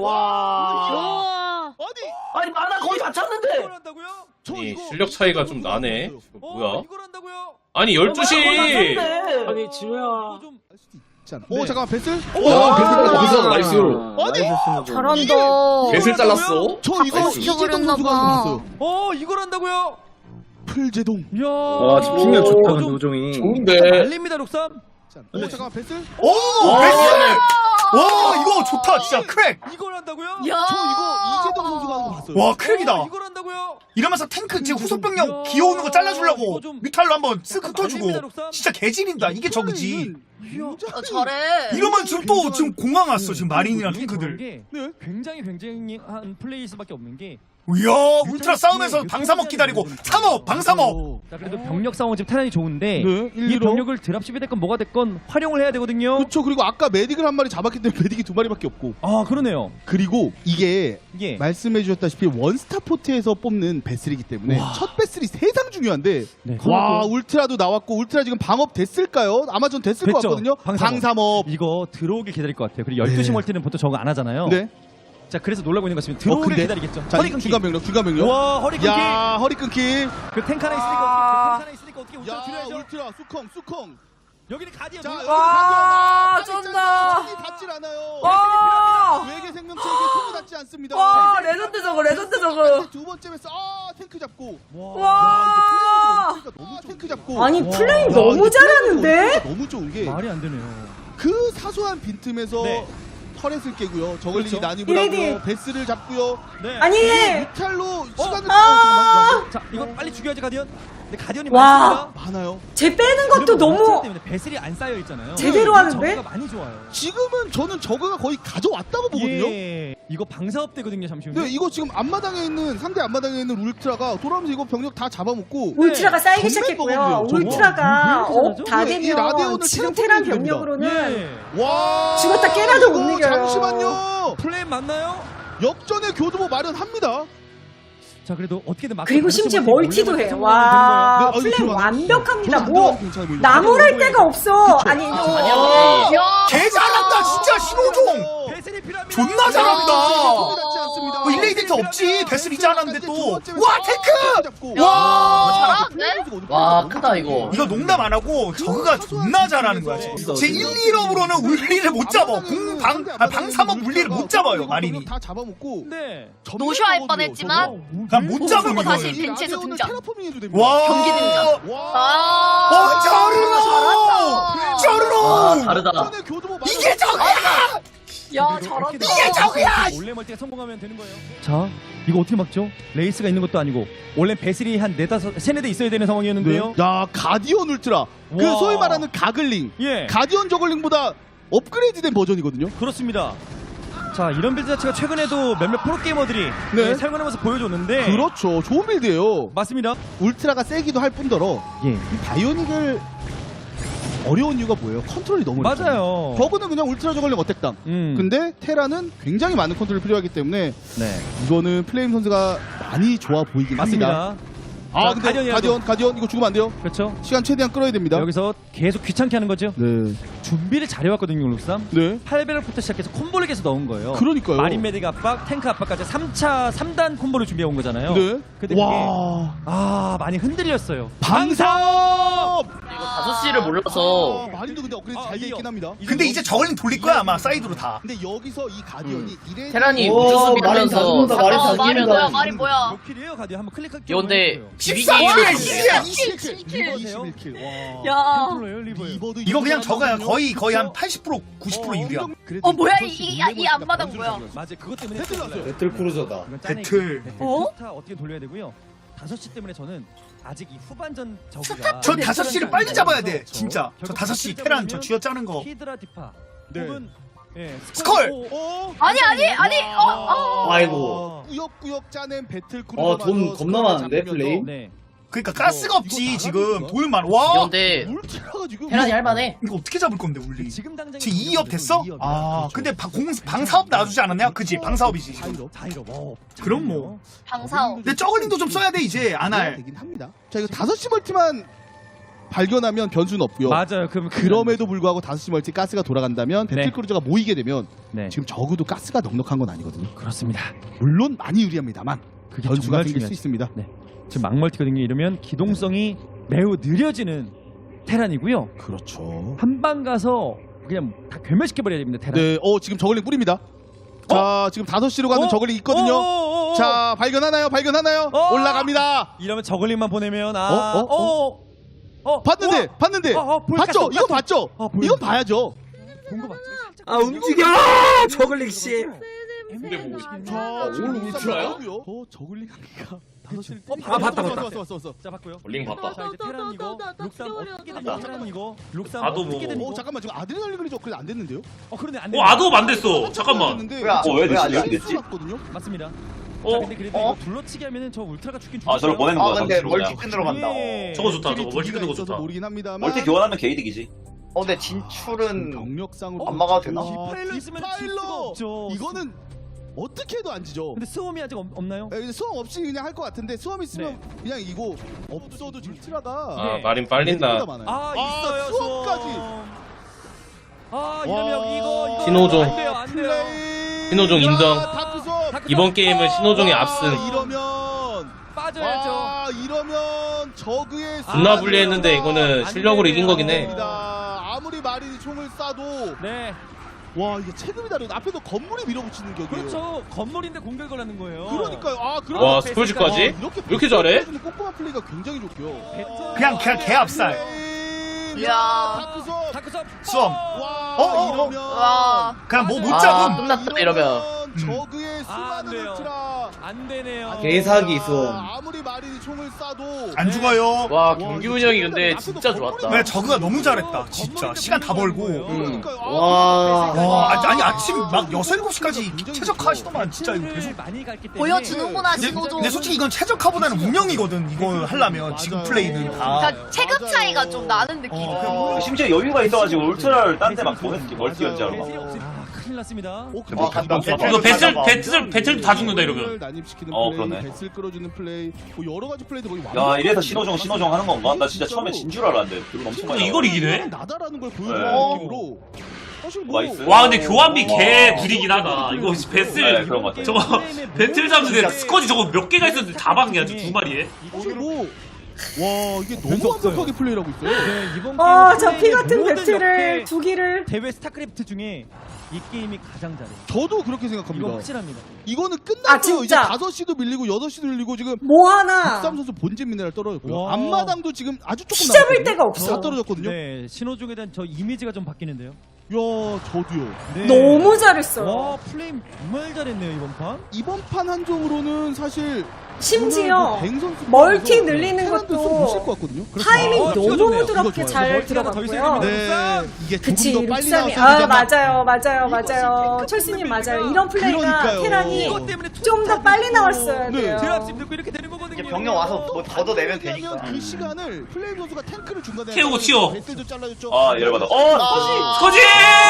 [SPEAKER 8] 와.
[SPEAKER 2] 아니,
[SPEAKER 8] 아니 만화 거의 다 찼는데.
[SPEAKER 1] 이걸 한다고요?
[SPEAKER 2] 저
[SPEAKER 6] 아니,
[SPEAKER 2] 이거
[SPEAKER 6] 실력 차이가 좀 나네
[SPEAKER 1] 어,
[SPEAKER 6] 뭐야
[SPEAKER 1] 이걸 한다고요?
[SPEAKER 6] 아니 열두 시
[SPEAKER 8] 아니 지효야.
[SPEAKER 1] 이거 좀
[SPEAKER 2] 알 수도 있잖아.
[SPEAKER 1] 네.
[SPEAKER 2] 오, 잠깐만, 베슬.
[SPEAKER 6] 와, 베슬 나이스.
[SPEAKER 2] 아니,
[SPEAKER 7] 잘한다.
[SPEAKER 6] 배슬 잘랐어
[SPEAKER 2] 저 이거
[SPEAKER 7] 바꿔
[SPEAKER 2] 이재동
[SPEAKER 7] 시켜버렸나
[SPEAKER 2] 선수가
[SPEAKER 7] 봐.
[SPEAKER 2] 봤어요.
[SPEAKER 1] 어 이걸 한다고요?
[SPEAKER 2] 풀제동.
[SPEAKER 1] 이야.
[SPEAKER 9] 와 집중력 좋다 근데 우종이.
[SPEAKER 6] 좋은데
[SPEAKER 1] 날립니다 록삼.
[SPEAKER 2] 오, 잠깐만, 베슬.
[SPEAKER 3] 오 베스트. 와 이거 좋다 진짜 크랙.
[SPEAKER 1] 이걸 한다고요?
[SPEAKER 7] 야.
[SPEAKER 2] 저 이거 이재동 선수가 하는 거 봤어요.
[SPEAKER 3] 와 크랙이다.
[SPEAKER 1] 어, 이걸 한다고요?
[SPEAKER 3] 이러면서 탱크 지금 후속
[SPEAKER 1] 야,
[SPEAKER 3] 병력 기어오는 거 잘라주려고
[SPEAKER 1] 이거 좀-
[SPEAKER 3] 뮤탈로 한번 쓱
[SPEAKER 1] 약간
[SPEAKER 3] 흩어주고
[SPEAKER 1] 말립니다, 록삼.
[SPEAKER 3] 진짜 개질인다. 이게 저그지.
[SPEAKER 7] 어, 잘해.
[SPEAKER 3] 이러면 지금 또 지금 공항 왔어 지금 마린이랑
[SPEAKER 1] 이게 그런
[SPEAKER 3] 탱크들.
[SPEAKER 1] 게
[SPEAKER 2] 네.
[SPEAKER 1] 굉장히 굉장히 한 플레이일 수밖에 없는 게
[SPEAKER 3] 이야 울트라 싸우면서 방사먹 기다리고 삼업 방사먹.
[SPEAKER 1] 자 그래도 병력 상황 지금 테란이 좋은데
[SPEAKER 2] 네, 일,
[SPEAKER 1] 이
[SPEAKER 2] 이로.
[SPEAKER 1] 병력을 드랍십이 됐건 뭐가 됐건 활용을 해야 되거든요.
[SPEAKER 2] 그렇죠. 그리고 아까 메딕을 한 마리 잡았기 때문에 메딕이 두 마리밖에 없고.
[SPEAKER 1] 아 그러네요.
[SPEAKER 2] 그리고 이게
[SPEAKER 1] 예.
[SPEAKER 2] 말씀해 주셨다시피 원스타 포트에서 뽑는 베슬이기 때문에 첫 베슬이 세상 중요한데
[SPEAKER 1] 네.
[SPEAKER 2] 와 울트라도 나왔고 울트라 지금 방업 됐을까요? 아마 전 됐을 것
[SPEAKER 1] 됐죠.
[SPEAKER 2] 같거든요.
[SPEAKER 1] 방삼업.
[SPEAKER 2] 방삼업.
[SPEAKER 1] 이거 들어오길 기다릴 것 같아요. 그리고 열두 시
[SPEAKER 2] 네.
[SPEAKER 1] 멀티는 보통 저거 안 하잖아요.
[SPEAKER 2] 네.
[SPEAKER 1] 자 그래서 놀라고 있는 것 같습니다.
[SPEAKER 2] 어,
[SPEAKER 1] 들어오길
[SPEAKER 2] 근데?
[SPEAKER 1] 기다리겠죠.
[SPEAKER 2] 자
[SPEAKER 1] 허리 끊기.
[SPEAKER 2] 중간 병력 중간 병력.
[SPEAKER 1] 와 허리 끊기.
[SPEAKER 2] 야 허리 끊기.
[SPEAKER 1] 그 탱크 하나 있으니까 어떻게 그 탱크 하나 있으니까 어떻게 울트라
[SPEAKER 2] 야
[SPEAKER 1] 줄여야죠.
[SPEAKER 2] 울트라 수컹 수컹.
[SPEAKER 1] 여기는 가디언.
[SPEAKER 2] 자
[SPEAKER 1] 놀-
[SPEAKER 2] 여기
[SPEAKER 7] 와,
[SPEAKER 2] 가디언.
[SPEAKER 7] 쩐다.
[SPEAKER 2] 손이 닿질 않아요.
[SPEAKER 7] 와.
[SPEAKER 2] 외계 생명체에게 손이 닿지 않습니다.
[SPEAKER 7] 와, 레전드 저거, 레전드 저거.
[SPEAKER 2] 두 번째 베스 아 탱크 잡고.
[SPEAKER 7] 와.
[SPEAKER 2] 이제 플레이가 너무 탱크 잡고.
[SPEAKER 7] 아니,
[SPEAKER 1] 와.
[SPEAKER 7] 플레이
[SPEAKER 2] 야,
[SPEAKER 7] 너무
[SPEAKER 2] 이제
[SPEAKER 7] 잘하는데?
[SPEAKER 2] 플레이가 너무 좋은 게
[SPEAKER 1] 말이 안 되네요.
[SPEAKER 2] 그 사소한 빈틈에서
[SPEAKER 1] 네.
[SPEAKER 2] 터렛을 깨고요. 저글링이
[SPEAKER 1] 그렇죠.
[SPEAKER 2] 난입을
[SPEAKER 7] 이레디.
[SPEAKER 2] 하고요. 베스를 잡고요.
[SPEAKER 1] 네.
[SPEAKER 7] 아니,
[SPEAKER 2] 뮤탈로 시간을
[SPEAKER 7] 아.
[SPEAKER 2] 어,
[SPEAKER 1] 자 이거 빨리 죽여야지 가디언. 근데 가디언이
[SPEAKER 7] 와.
[SPEAKER 1] 많습니다.
[SPEAKER 2] 많아요.
[SPEAKER 7] 쟤 빼는 것도
[SPEAKER 1] 그리고 울트라
[SPEAKER 7] 너무
[SPEAKER 1] 때문에 배슬이 안 쌓여 있잖아요.
[SPEAKER 7] 제대로
[SPEAKER 1] 네,
[SPEAKER 7] 하는데?
[SPEAKER 1] 저거가 많이 좋아요.
[SPEAKER 2] 지금은 저는 저그가 거의 가져왔다고 보거든요.
[SPEAKER 1] 예. 이거 방사업 되거든요. 잠시만요.
[SPEAKER 2] 근데 이거 지금 앞마당에 있는 상대 앞마당에 있는 울트라가 돌아오면서 이거 병력 다 잡아먹고
[SPEAKER 7] 울트라가 쌓이기
[SPEAKER 2] 전멸
[SPEAKER 7] 시작했고요.
[SPEAKER 2] 먹었네요, 저거.
[SPEAKER 7] 울트라가
[SPEAKER 1] 왜 이렇게
[SPEAKER 7] 업 다
[SPEAKER 2] 잘하죠? 이
[SPEAKER 7] 되면
[SPEAKER 2] 라데온을
[SPEAKER 7] 지금
[SPEAKER 2] 테라포밍
[SPEAKER 7] 테란
[SPEAKER 2] 됩니다.
[SPEAKER 7] 병력으로는
[SPEAKER 1] 예.
[SPEAKER 2] 와
[SPEAKER 7] 죽었다 깨나도
[SPEAKER 2] 이거
[SPEAKER 7] 못 이겨요.
[SPEAKER 2] 잠시만요.
[SPEAKER 1] 플레임 맞나요?
[SPEAKER 2] 역전의 교두보 마련합니다.
[SPEAKER 1] 자 그래도 어떻게든 막
[SPEAKER 7] 그리고 심지어 멀티도 해. 와,
[SPEAKER 2] 네, 어,
[SPEAKER 7] 플레이
[SPEAKER 2] 이거
[SPEAKER 7] 완벽합니다.
[SPEAKER 2] 저는
[SPEAKER 7] 뭐
[SPEAKER 2] 안 괜찮아 보이는데.
[SPEAKER 7] 나무랄 데가 없어. 아니,
[SPEAKER 4] 아니,
[SPEAKER 7] 어.
[SPEAKER 3] 개 잘한다 진짜 신호종.
[SPEAKER 1] 배슬이 필요합니다.
[SPEAKER 3] 존나 잘한다.
[SPEAKER 2] 손이 닿지 않습니다.
[SPEAKER 3] 뭐 일레이 딜트 없지. 베슬 이제 않았는데 또. 와 탱크.
[SPEAKER 2] 와
[SPEAKER 3] 와.
[SPEAKER 7] 잘하는데?
[SPEAKER 4] 와, 크다, 이거.
[SPEAKER 3] 이거 농담 안 하고 저그가 존나 잘하는 거야 지금. 제 일, 이업으로는 울리를 못 잡아. 공방 아, 방삼업 물리를 못 잡아요 마린이.
[SPEAKER 2] 다 잡아먹고
[SPEAKER 1] 네.
[SPEAKER 7] 노쇼할 뻔했지만
[SPEAKER 3] 난 못 잡음
[SPEAKER 7] 보고
[SPEAKER 3] 이거.
[SPEAKER 7] 다시 벤치에서 등장.
[SPEAKER 2] 테라포밍 해도 됩니다.
[SPEAKER 3] 와.
[SPEAKER 7] 경기 등장.
[SPEAKER 2] 와.
[SPEAKER 7] 아,
[SPEAKER 3] 어 저르노.
[SPEAKER 4] 와,
[SPEAKER 3] 저르노.
[SPEAKER 4] 다르다.
[SPEAKER 2] 역전의 교두보
[SPEAKER 3] 이게 저거야.
[SPEAKER 7] 야, 잘한다.
[SPEAKER 3] 이게 저거야.
[SPEAKER 1] 원래 멀티가 성공하면 되는 거예요. 자 이거 어떻게 막죠? 레이스가 있는 것도 아니고 원래 배슬이 한 네다섯 세네 대 있어야 되는 상황이었는데요.
[SPEAKER 2] 야 가디언 울트라 그
[SPEAKER 1] 와.
[SPEAKER 2] 소위 말하는 가글링
[SPEAKER 1] 예.
[SPEAKER 2] 가디언 저글링보다 업그레이드된 버전이거든요.
[SPEAKER 1] 그렇습니다. 자 이런 빌드 자체가 최근에도 몇몇 프로게이머들이
[SPEAKER 2] 네.
[SPEAKER 1] 예, 사용하는 모습 보여줬는데
[SPEAKER 2] 그렇죠. 좋은 빌드예요.
[SPEAKER 1] 맞습니다.
[SPEAKER 2] 울트라가 세기도 할 뿐더러
[SPEAKER 1] 예.
[SPEAKER 2] 이 바이오닉을 어려운 이유가 뭐예요? 컨트롤이 너무 어렵잖아요.
[SPEAKER 1] 맞아요.
[SPEAKER 2] 저거는 그냥 울트라 저글링 어택당.
[SPEAKER 1] 음.
[SPEAKER 2] 근데 테라는 굉장히 많은 컨트롤이 필요하기 때문에
[SPEAKER 1] 네.
[SPEAKER 2] 이거는 플레임 선수가 많이 좋아 보이긴 합니다.
[SPEAKER 1] 맞습니다.
[SPEAKER 2] 아
[SPEAKER 1] 자,
[SPEAKER 2] 근데
[SPEAKER 1] 가디언이라도.
[SPEAKER 2] 가디언 가디언 이거 죽으면 안 돼요.
[SPEAKER 1] 그렇죠.
[SPEAKER 2] 시간 최대한 끌어야 됩니다.
[SPEAKER 1] 여기서 계속 귀찮게 하는 거죠.
[SPEAKER 2] 네.
[SPEAKER 1] 준비를 잘해왔거든요, 룩삼.
[SPEAKER 2] 네.
[SPEAKER 1] 팔 배럭부터 시작해서 콤보를 계속 넣은 거예요.
[SPEAKER 2] 그러니까요.
[SPEAKER 1] 마린 메딕 압박, 탱크 압박까지 삼 차 삼 단 콤보를 준비해 온 거잖아요.
[SPEAKER 2] 네.
[SPEAKER 1] 근데 그게
[SPEAKER 2] 와.
[SPEAKER 1] 아 많이 흔들렸어요.
[SPEAKER 2] 방사업.
[SPEAKER 4] 다섯 시를 몰라서.
[SPEAKER 2] 아, 마린도 근데 업그레이드
[SPEAKER 1] 아,
[SPEAKER 2] 잘 돼
[SPEAKER 1] 이거.
[SPEAKER 2] 있긴 합니다.
[SPEAKER 3] 근데 이제 저글링 돌릴 거야 아마 사이드로 다.
[SPEAKER 2] 근데 여기서 이 가디언이 이래
[SPEAKER 4] 테란이
[SPEAKER 5] 오,
[SPEAKER 4] 우주
[SPEAKER 5] 마린 다
[SPEAKER 4] 수비하면서
[SPEAKER 5] 죽는다, 마린 다
[SPEAKER 7] 어, 말이
[SPEAKER 5] 죽는다.
[SPEAKER 7] 뭐야, 말이 뭐야.
[SPEAKER 1] 몇 킬이에요, 가디? 한번 클릭할게요.
[SPEAKER 4] 이건데
[SPEAKER 3] 십사
[SPEAKER 4] 비비기
[SPEAKER 3] 킬이야, 이십이야.
[SPEAKER 2] 이십일 킬.
[SPEAKER 1] 킬.
[SPEAKER 2] 이십일 킬. 와.
[SPEAKER 7] 야.
[SPEAKER 1] 템플러예요, 리버예요.
[SPEAKER 2] 리버도
[SPEAKER 3] 이거 그냥 저거야.
[SPEAKER 2] 잘하거든요.
[SPEAKER 3] 거의 거의 한 팔십 퍼센트 구십 퍼센트 유리야.
[SPEAKER 7] 어, 뭐야, 이, 이, 이 앞마당 뭐야.
[SPEAKER 1] 맞아요. 그것 때문에
[SPEAKER 2] 배틀
[SPEAKER 1] 했어요.
[SPEAKER 2] 났어요.
[SPEAKER 9] 배틀 크루저다.
[SPEAKER 1] 이건 짜내기.
[SPEAKER 3] 배틀.
[SPEAKER 7] 어?
[SPEAKER 1] 스타 어떻게 돌려야 되고요. 다섯 시 때문에 저는 아직 이 후반전 저기가
[SPEAKER 3] 저 다섯 시를 빨리 잡아야 돼. 진짜. 저 다섯 시 테란 저 쥐어 짜는 거.
[SPEAKER 1] 히드라 디파
[SPEAKER 2] 네.
[SPEAKER 1] 혹은 예,
[SPEAKER 3] 스컬!
[SPEAKER 1] 오,
[SPEAKER 2] 어?
[SPEAKER 7] 아니, 아니, 아니, 어, 어.
[SPEAKER 5] 아이고.
[SPEAKER 2] 꾸역꾸역 짜낸 배틀 크루.
[SPEAKER 5] 어, 돈 겁나 많은데, 플레임?
[SPEAKER 1] 네.
[SPEAKER 3] 그러니까 가스가
[SPEAKER 2] 이거
[SPEAKER 3] 없지
[SPEAKER 2] 나가는
[SPEAKER 3] 지금.
[SPEAKER 2] 거야?
[SPEAKER 3] 돌만. 와.
[SPEAKER 4] 이건데
[SPEAKER 2] 울트라가 지금
[SPEAKER 4] 테란이 할만해.
[SPEAKER 3] 이거 어떻게 잡을 건데 울리?
[SPEAKER 1] 지금 당장
[SPEAKER 3] 지금 이 업 됐어? 아, 근데 방, 공, 방사업 놔주지 않았냐? 그지? 방사업이지. 지금.
[SPEAKER 1] 자이로 뭐
[SPEAKER 3] 그럼 뭐.
[SPEAKER 7] 방사오.
[SPEAKER 3] 근데 저글링도 좀 써야 돼 이제 안 할.
[SPEAKER 2] 되긴 합니다. 자, 이거 다섯 시 멀티만 발견하면 변수는 없고요.
[SPEAKER 1] 맞아요. 그럼
[SPEAKER 2] 그럼에도 불구하고 다섯 시 멀티 가스가 돌아간다면 배틀
[SPEAKER 1] 네.
[SPEAKER 2] 크루저가 모이게 되면
[SPEAKER 1] 네.
[SPEAKER 2] 지금 적어도 가스가 넉넉한 건 아니거든요.
[SPEAKER 1] 그렇습니다.
[SPEAKER 2] 물론 많이 유리합니다만
[SPEAKER 1] 그게
[SPEAKER 2] 변수가
[SPEAKER 1] 정말
[SPEAKER 2] 생길 수
[SPEAKER 1] 중요하죠.
[SPEAKER 2] 있습니다.
[SPEAKER 1] 네. 지금 막멀티거든요. 이러면 기동성이 매우 느려지는 테란이고요.
[SPEAKER 2] 그렇죠.
[SPEAKER 1] 한 방 가서 그냥 다 괴멸시켜 버려야 됩니다. 테란.
[SPEAKER 2] 네, 어 지금 저글링 뿌립니다. 자, 지금 다섯 시로 가는
[SPEAKER 1] 어?
[SPEAKER 2] 저글링 있거든요.
[SPEAKER 1] 어, 어, 어, 어.
[SPEAKER 2] 자, 발견하나요? 발견하나요?
[SPEAKER 1] 어?
[SPEAKER 2] 올라갑니다.
[SPEAKER 1] 이러면 저글링만 보내면 아,
[SPEAKER 2] 어? 어?
[SPEAKER 1] 어, 어,
[SPEAKER 2] 봤는데,
[SPEAKER 1] 어?
[SPEAKER 2] 봤는데,
[SPEAKER 1] 어, 어, 보일
[SPEAKER 2] 봤죠?
[SPEAKER 1] 것
[SPEAKER 2] 이거
[SPEAKER 1] 같아.
[SPEAKER 2] 봤죠?
[SPEAKER 1] 어, 보여요.
[SPEAKER 2] 이건 봐야죠.
[SPEAKER 1] 본거 맞죠?
[SPEAKER 5] 아, 움직여! 저글링 씨.
[SPEAKER 9] 근데 뭐
[SPEAKER 2] 자,
[SPEAKER 9] 올 울트라야?
[SPEAKER 2] 어, 저글링 한개가 다섯 시.
[SPEAKER 1] 어,
[SPEAKER 9] 아, 봤다,
[SPEAKER 2] 왔어,
[SPEAKER 9] 봤다.
[SPEAKER 2] 왔어, 왔어, 왔어.
[SPEAKER 1] 자, 봤고요.
[SPEAKER 9] 링 봤다.
[SPEAKER 1] 자, 이제 테란 이거, 룩삼 어떻게 되는 테란 이거, 룩삼
[SPEAKER 9] 나도
[SPEAKER 1] 어떻게
[SPEAKER 9] 뭐.
[SPEAKER 1] 되는
[SPEAKER 2] 어,
[SPEAKER 1] 이거.
[SPEAKER 2] 잠깐만, 지금 아드레날린이 저 그래 안 됐는데요?
[SPEAKER 1] 어, 그런데 안
[SPEAKER 9] 어
[SPEAKER 1] 돼.
[SPEAKER 9] 아도 안 됐어. 잠깐만.
[SPEAKER 2] 됐는데
[SPEAKER 5] 왜 안-
[SPEAKER 10] 어, 왜 됐지?
[SPEAKER 2] 실수가
[SPEAKER 10] 왜 됐지?
[SPEAKER 2] 났거든요?
[SPEAKER 1] 맞습니다.
[SPEAKER 8] 어?
[SPEAKER 1] 자, 근데 그래도
[SPEAKER 3] 어?
[SPEAKER 1] 이거 둘러치기 하면은 저 울트라가 죽긴
[SPEAKER 10] 아 저걸
[SPEAKER 1] 죽겠어요.
[SPEAKER 10] 보내는
[SPEAKER 3] 아
[SPEAKER 10] 거야
[SPEAKER 3] 근데
[SPEAKER 10] 상대로
[SPEAKER 3] 멀티
[SPEAKER 10] 그냥.
[SPEAKER 3] 끈 들어간다.
[SPEAKER 1] 예.
[SPEAKER 8] 저거 좋다, 저거.
[SPEAKER 2] 두
[SPEAKER 8] 멀티
[SPEAKER 2] 개가
[SPEAKER 8] 끄는 거
[SPEAKER 2] 있어서
[SPEAKER 8] 좋다.
[SPEAKER 2] 모르긴 합니다만.
[SPEAKER 10] 멀티 교환하면 게이득이지.
[SPEAKER 3] 어 근데 진출은
[SPEAKER 2] 경력상으로
[SPEAKER 3] 안 막아도 되나?
[SPEAKER 1] 디파일러 있으면 질 수가
[SPEAKER 2] 디파일러!
[SPEAKER 1] 없죠.
[SPEAKER 2] 이거는 어떻게 해도 안 지죠.
[SPEAKER 1] 근데 스홈이 아직 없, 없나요?
[SPEAKER 2] 예, 수험 없이 그냥 할 것 같은데 수험 있으면
[SPEAKER 1] 네.
[SPEAKER 2] 그냥 이거 없어도 울트라가
[SPEAKER 6] 아
[SPEAKER 1] 네.
[SPEAKER 6] 마린 빨린다.
[SPEAKER 1] 아 있어요
[SPEAKER 2] 수험까지.
[SPEAKER 1] 아 이러면
[SPEAKER 2] 와.
[SPEAKER 1] 이거 이거
[SPEAKER 6] 신호종.
[SPEAKER 1] 안 돼요 안 돼요.
[SPEAKER 2] 플레이.
[SPEAKER 6] 신호종 인정.
[SPEAKER 2] 다크 수업.
[SPEAKER 1] 다크
[SPEAKER 6] 이번
[SPEAKER 1] 수업.
[SPEAKER 6] 게임은 신호종이
[SPEAKER 2] 와,
[SPEAKER 6] 앞선.
[SPEAKER 2] 이러면
[SPEAKER 1] 빠져야죠.
[SPEAKER 2] 와, 이러면 저그의
[SPEAKER 6] 존나
[SPEAKER 2] 수비가
[SPEAKER 6] 불리했는데 이거는
[SPEAKER 1] 안
[SPEAKER 6] 실력으로
[SPEAKER 1] 되네요.
[SPEAKER 6] 이긴 거긴 해.
[SPEAKER 2] 됩니다. 아무리 마린이 총을 쏴도
[SPEAKER 1] 네
[SPEAKER 2] 와 이게 체급이 다르. 앞에도 건물이 밀어붙이는 격이에요.
[SPEAKER 1] 그렇죠. 건물인데 공격을 하는 거예요.
[SPEAKER 2] 그러니까요. 아 그럼
[SPEAKER 6] 와 스콜지까지?
[SPEAKER 2] 이렇게
[SPEAKER 6] 이렇게 잘해?
[SPEAKER 2] 꼼꼼한 플레이가 굉장히 좋고요.
[SPEAKER 3] 그냥 그냥 개압살.
[SPEAKER 2] 이야.
[SPEAKER 3] 이야.
[SPEAKER 2] 다크 수업.
[SPEAKER 1] 다크 수업.
[SPEAKER 3] 수험.
[SPEAKER 2] 와
[SPEAKER 3] 어, 어, 어.
[SPEAKER 2] 이러면
[SPEAKER 7] 와.
[SPEAKER 3] 그냥 뭐 못
[SPEAKER 4] 아,
[SPEAKER 3] 잡음.
[SPEAKER 4] 끝났다 이러면.
[SPEAKER 2] 저그의
[SPEAKER 1] 아, 안
[SPEAKER 2] 수많은
[SPEAKER 1] 돼요.
[SPEAKER 2] 울트라.
[SPEAKER 1] 안 되네요.
[SPEAKER 5] 개사기 수험.
[SPEAKER 2] 아무리 마린이 총을 쏴도
[SPEAKER 3] 안 죽어요.
[SPEAKER 4] 와 경기 운영이 근데 진짜 좋았다.
[SPEAKER 3] 왜 저그가 너무 잘했다. 진짜 시간 다 벌고.
[SPEAKER 4] 음.
[SPEAKER 5] 와.
[SPEAKER 3] 와 아니, 아니 아침 막 여섯 일곱 시까지 최적화하시더만 진짜 이거 계속.
[SPEAKER 1] 많이 갔기 때문에
[SPEAKER 7] 보여주는구나
[SPEAKER 3] 근데,
[SPEAKER 7] 신호종.
[SPEAKER 3] 근데 솔직히 이건 최적화보다는 운영이거든. 이거 하려면 지금 플레이는 다.
[SPEAKER 7] 그러니까 체급 차이가 좀 나는 느낌.
[SPEAKER 3] 어,
[SPEAKER 10] 심지어 여유가 있어가지고 울트라를 딴 데 막 보냈지 멀티 연자로 막.
[SPEAKER 1] 아 큰일 났습니다.
[SPEAKER 3] 와 간다.
[SPEAKER 8] 이거 배틀 배틀 배틀 다 죽는다 이러면.
[SPEAKER 2] 난입시키는
[SPEAKER 10] 어,
[SPEAKER 2] 플레이,
[SPEAKER 10] 그러네.
[SPEAKER 2] 배슬 끌어주는 플레이, 뭐 여러 가지 플레이도 거의
[SPEAKER 10] 야 이래서 신호종 신호종 하는 건가? 나 진짜 처음에 진 줄 알았는데 돈 엄청 많이
[SPEAKER 8] 이걸
[SPEAKER 10] 나와.
[SPEAKER 8] 이기네?
[SPEAKER 2] 나다라는 걸 보여주는
[SPEAKER 10] 네.
[SPEAKER 2] 느낌으로 사실 뭐
[SPEAKER 10] 나이스.
[SPEAKER 8] 와 근데 교환비
[SPEAKER 10] 와.
[SPEAKER 8] 개 구리긴 하다. 이거
[SPEAKER 10] 네,
[SPEAKER 8] 배슬
[SPEAKER 10] 그런 것 같아.
[SPEAKER 8] 저거 배틀 잡는데 스쿼지 저거 몇 개가 있었는데 다 박냐 두 마리에.
[SPEAKER 2] 사실 뭐 와, 이게 너무 완벽하게 플레이를 하고 있어요.
[SPEAKER 1] 네 이번
[SPEAKER 11] 아,
[SPEAKER 1] 게임은
[SPEAKER 11] 저 피 같은
[SPEAKER 1] 모든
[SPEAKER 11] 배틀을
[SPEAKER 1] 역대
[SPEAKER 11] 두 기를.
[SPEAKER 1] 대회 스타크래프트 중에 이 게임이 가장 잘해요.
[SPEAKER 2] 저도 그렇게
[SPEAKER 1] 이거
[SPEAKER 2] 생각합니다.
[SPEAKER 1] 확실합니다.
[SPEAKER 2] 이거는
[SPEAKER 11] 아,
[SPEAKER 2] 끝났어요. 이제
[SPEAKER 11] 진짜.
[SPEAKER 2] 다섯 시도 밀리고 여덟 시도 밀리고 지금
[SPEAKER 11] 뭐 하나
[SPEAKER 2] 박삼 선수 본진 미네랄 떨어졌고요.
[SPEAKER 1] 와.
[SPEAKER 2] 앞마당도 지금 아주 조금
[SPEAKER 11] 키 잡을
[SPEAKER 2] 남았거든요.
[SPEAKER 11] 데가 없어.
[SPEAKER 2] 다 떨어졌거든요.
[SPEAKER 1] 네 신호종에 대한 저 이미지가 좀 바뀌는데요.
[SPEAKER 2] 야, 저도요.
[SPEAKER 1] 네.
[SPEAKER 11] 너무 잘했어요.
[SPEAKER 1] 와 플레임 정말 잘했네요 이번 판.
[SPEAKER 2] 이번 판 한정으로는 사실
[SPEAKER 11] 심지어
[SPEAKER 2] 오늘 그 뱅 선수
[SPEAKER 11] 멀티
[SPEAKER 2] 선수
[SPEAKER 11] 늘리는
[SPEAKER 2] 테란도
[SPEAKER 11] 것도
[SPEAKER 2] 좀 못쓸 것 같거든요.
[SPEAKER 11] 타이밍
[SPEAKER 1] 어,
[SPEAKER 11] 너무
[SPEAKER 1] 좋네요.
[SPEAKER 11] 부드럽게
[SPEAKER 2] 이거
[SPEAKER 11] 잘
[SPEAKER 2] 좋아요.
[SPEAKER 11] 들어갔고요.
[SPEAKER 2] 네, 이게
[SPEAKER 11] 그치,
[SPEAKER 2] 조금 더 빨리
[SPEAKER 11] 룩삼이.
[SPEAKER 2] 나왔어야
[SPEAKER 11] 아,
[SPEAKER 2] 되잖아.
[SPEAKER 11] 맞아요, 맞아요, 맞아요. 철수님 맞아요. 이런 플레이가
[SPEAKER 2] 그러니까요.
[SPEAKER 11] 테란이
[SPEAKER 1] 이것 때문에
[SPEAKER 11] 좀 더 빨리 나왔어야
[SPEAKER 2] 네.
[SPEAKER 11] 돼요.
[SPEAKER 1] 드랍십 듣고 이렇게 되는 거거든요.
[SPEAKER 3] 병력 와서 뭐 걷어내면 되니까.
[SPEAKER 2] 그 시간을 플레임 선수가 탱크를 중간에
[SPEAKER 8] 태우고 튀어.
[SPEAKER 2] 배틀도 잘라줬죠.
[SPEAKER 10] 아 열받아. 어 스쿼지.
[SPEAKER 8] 스쿼지!